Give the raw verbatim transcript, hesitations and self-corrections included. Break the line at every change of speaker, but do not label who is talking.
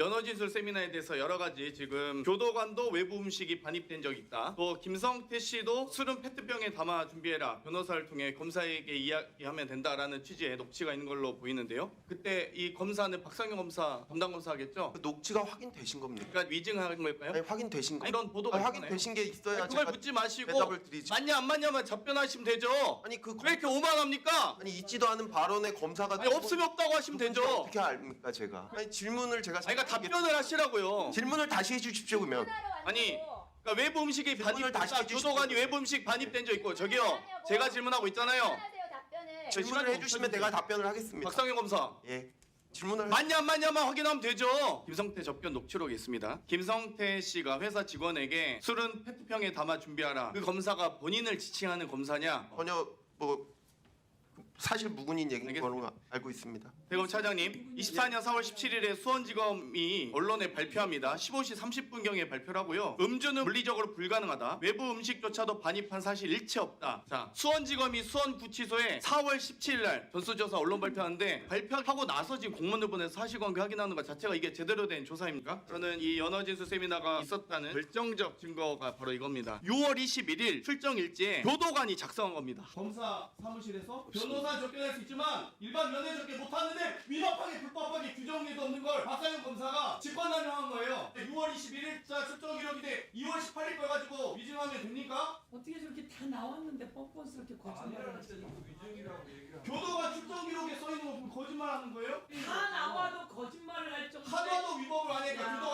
연어진술 세미나에 대해서 여러 가지 지금 교도관도 외부 음식이 반입된 적이 있다. 또 김성태 씨도 술은 페트병에 담아 준비해라. 변호사를 통해 검사에게 이야기하면 된다라는 취지의 녹취가 있는 걸로 보이는데요. 그때 이 검사는 박상현 검사 담당 검사겠죠?
그 녹취가 확인되신 겁니까?
그러니까 위증한 걸까요?
아니 확인되신 거.
아니, 이런 보도가
아니,
있잖아요.
확인되신 게 있어야
그걸
제가
묻지 마시고
대답을 드리지.
맞냐 안 맞냐만 답변하시면 되죠.
아니 그
왜 이렇게 오만합니까?
아니 있지도 않은 발언에 검사가
아니 없으면 없다고 하시면 되죠.
어떻게 압니까 제가? 아니 질문을 제가
아니 그러니까 답변을 하시라고요.
질문을 다시 해주십시오 그러면.
아니 그러니까 외부 음식이
질문을 다시
반입됐다.
해주십시오.
교도관이 외부 음식 반입된 적 있고 저기요. 제가 질문하고 있잖아요.
하세요 답변을.
질문을 해주시면 내가 답변을 하겠습니다.
박상현 검사.
예. 질문을
맞냐 안 맞냐만 확인하면 되죠. 김성태 접견 녹취록이 있습니다. 김성태 씨가 회사 직원에게 술은 페트병에 담아 준비하라. 그 검사가 본인을 지칭하는 검사냐?
전혀 뭐 사실 무근인 얘기인
알겠습니다.
걸로 알고 있습니다.
대검 차장님, 이십사 년 사월 십칠일에 수원지검이 언론에 발표합니다. 십오 시 삼십 분경에 발표를 하고요. 음주는 물리적으로 불가능하다. 외부 음식조차도 반입한 사실 일체 없다. 자, 수원지검이 수원구치소에 사월 십칠일 날 전수조사 언론 발표하는데 발표하고 나서 지금 공문을 보내서 사실관계 확인하는 것 자체가 이게 제대로 된 조사입니까? 저는 이 연어진술 세미나가 있었다는 결정적 증거가 바로 이겁니다. 유월 이십일일 출정 일지에 교도관이 작성한 겁니다. 검사 사무실에서 변호사 접견할 수 있지만 일반 면회 접견 못하는데 위법하게 불법하게 규정에도 없는 걸 박상현 검사가 직권남용한 거예요. 유월 이십일일 자 출정 기록인데 이월 십팔일 걸 가지고 위증하면 됩니까?
어떻게 저렇게 다 나왔는데 뻔뻔스럽게 거짓말을 하지?
교도관 출정 기록에 써 있는 거 보면 거짓말하는 거예요?
다 나와도 거짓말을 할 정도로
하나도 위법을 안 하니까
야.
교도관